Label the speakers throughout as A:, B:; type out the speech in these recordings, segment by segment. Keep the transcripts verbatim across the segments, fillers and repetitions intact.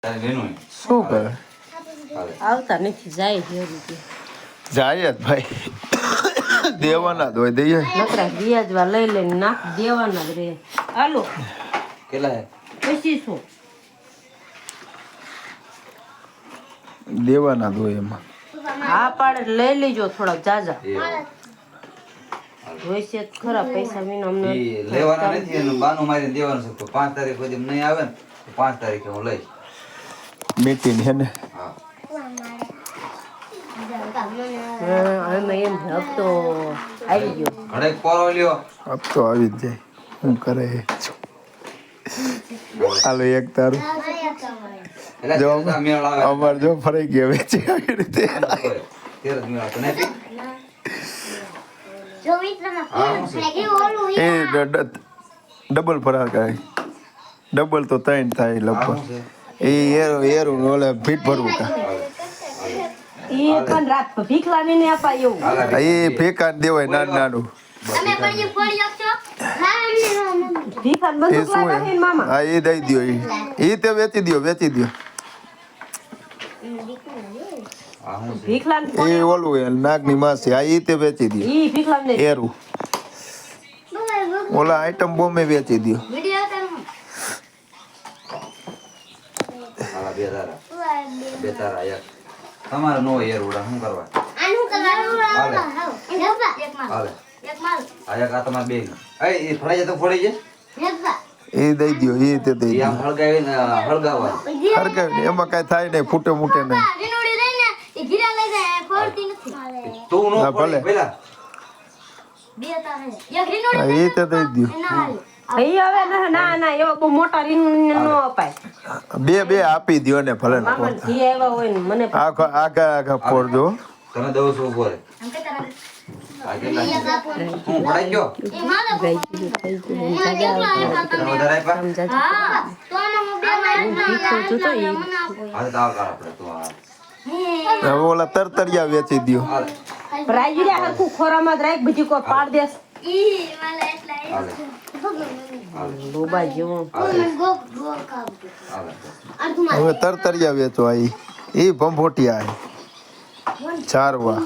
A: શું કરે
B: આવતા નથી જાય છે
A: જાય જ ભાઈ દેવાના જ હોય દઈએ
B: નકરા વ્યાજવા લઈ લઈને નાખ દેવાના જ રે હાલો
C: કેટલા
B: પચીસો
A: દેવાના જ હોય એમાં
B: હા પાડે લઈ લેજો થોડાક જાજા હોય છે ખરા પૈસા વિના અમને
C: લેવાના નથી એનું બાનું મારીને દેવાનું છે તો પાંચ તારીખ સુધી નહીં આવે ને તો પાંચ તારીખે હું લઈશ
A: મીટિંગ હે ને
C: હા
B: અમે એમ હપ્તો આવી ગયો
C: ઘડે પોરો લ્યો
A: અબ તો આવી જ જાય હું કરે હાલો એક તારું
C: એટલે
A: જો
C: તેરસ મેળ આવે
A: અમાર જો ફરાઈ ગયો વેચી આવી રીતે
C: તેરસ મેળ તો નહીં
D: જો મિત્રમાં
C: હા હું છે
A: એ ડબલ ફરાર કરે ડબલ તો ત્રણ થાય
C: હા
A: લગભગ
C: હું છે
A: એ એરો એરું ઓલે ફીટ ભરવું કા
B: ઈ પણ રાત ભીખ લાવીને અપાય એવું
C: હાલા
A: એ ફેકા દેવાય નાનું નાનું
D: તમે પણ એ ફોડી આપશો હા અમને નો મમ્મી
B: ભીખ
A: એ
B: બંદૂક
A: શું
B: લાવ્યા છે
A: હે
B: ને મામા
A: હા એ દઈ દ્યો એ એ તે વેચી દ્યો વેચી દ્યો
C: હા હું છે
B: ભીખ લાવીને
A: એ ઓલું હે નાગની માસી આ એ તે વેચી દ્યો
B: ઈ ભીખ લાવીને
A: એરું ઓલા આઈટમ બોમ્બે વેચી દ્યો
D: વિડિયો કરું
C: હાલા બે તારા બે તારા એક તમારે નો યાર ઉડા શું કરવા
D: આનું કરવાનું
C: હાલે.
D: હાલો નેબા એક માલ
C: હાલે
D: એક માલ
C: આ એક આ તમારે બે એ એ ફળાઈ જાય તો ફોડી જાય
D: નેબા
A: એ દઈ દ્યો એ તે દઈ
C: એ આમ
A: દ્યો
C: હળગાવીને હળગાવવા
A: હરકાવી ને એમાં કાંઈ થાય નહીં ફૂટે મૂટે નહીં
D: રીનોડી લઈને એ ગીરા લઈ જાય ફોડતી નથી
C: તું નો
A: હા, ભલે.
C: ફોડી પેલા
D: બે તારે એક રીનોડી
A: હા, એ તે દઈ દ્યો
D: ના હાલે
B: ઈ હવે ના ના ના એવા બહુ મોટા રીન નો અપાય
A: બે બે આપી દ્યો ને ભલે ને
B: મામા ઘી આવ્યા હોય ને મને
A: આખા આખા આખા ફોડજો
C: તમે દઉં છો ઉભો રે
D: આમ કે તારા
C: આ કેટલા છે? હું ફળાઈ ગયો
D: એ માલ
B: ગઈ ગઈ ગઈ
C: તમે વધારે આપ્યા
D: હા તો આમાં હું બે માલ ના
B: જોતો ઈ
C: હાલ તો આવ કર આપણે તો આ
A: હવે ઓલા તરતરિયા વેચી દ્યો
C: હાલ
B: પ્રાઇઝ રે હરખું ખોરામાં જ રાખ બીજી કોઈ પાડ દેસ
D: ઈ માલ એટલા
C: હાલે હાલ
B: લોબા જેવું
D: મને ગો ગો કાબ
C: હાલ
D: અર્ધ માલ
A: હવે તરતરિયા વેચવા એ એ ભંભોટિયા હે ચારવા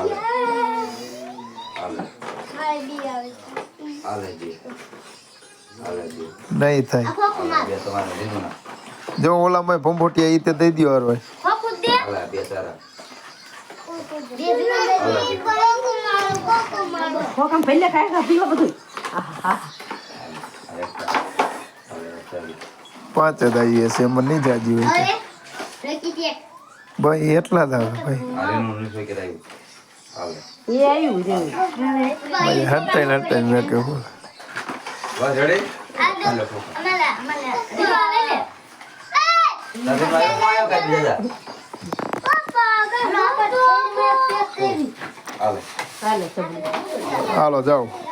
C: હાલ
D: ખાઈ બી આવે
C: હાલે જી હાલે જી
A: નહીં થાય
D: ખોખું માલ
C: બે તમારે લીધું ના
A: જો ઓલામાં ભંભોટિયા એ તે દઈ દ્યો હરવાય
D: ખોખું દે
C: હાલે બે તારા
D: બે રીનોડી ખોખું માલ ખોખું માલ
B: ખોકામ પહેલે ખાય ખા પીવા બધું આહા
C: આ એક તારા. હાલે ચાલી
A: પાંચ જ આવીએ છે એમાં નહીં જાજી હોય
D: અરે રેકી દે
A: ભાઈ એટલા જ આવે ભાઈ
C: આ રેનું નીચે કરાયું હાલે
B: એ આવ્યું રે
A: ભાઈ હટાઈ હટાઈ મેં કહ્યું
C: બસ રેડી
D: આ
C: હાલે ફોફા.
D: અમાલા અમાલા રીવા લઈ લે
C: તારે મારે માયો કાઢી દેજા
D: પપ્પા ગા તો
C: હાલે
B: ચાલે સબ
A: હાલો જાઓ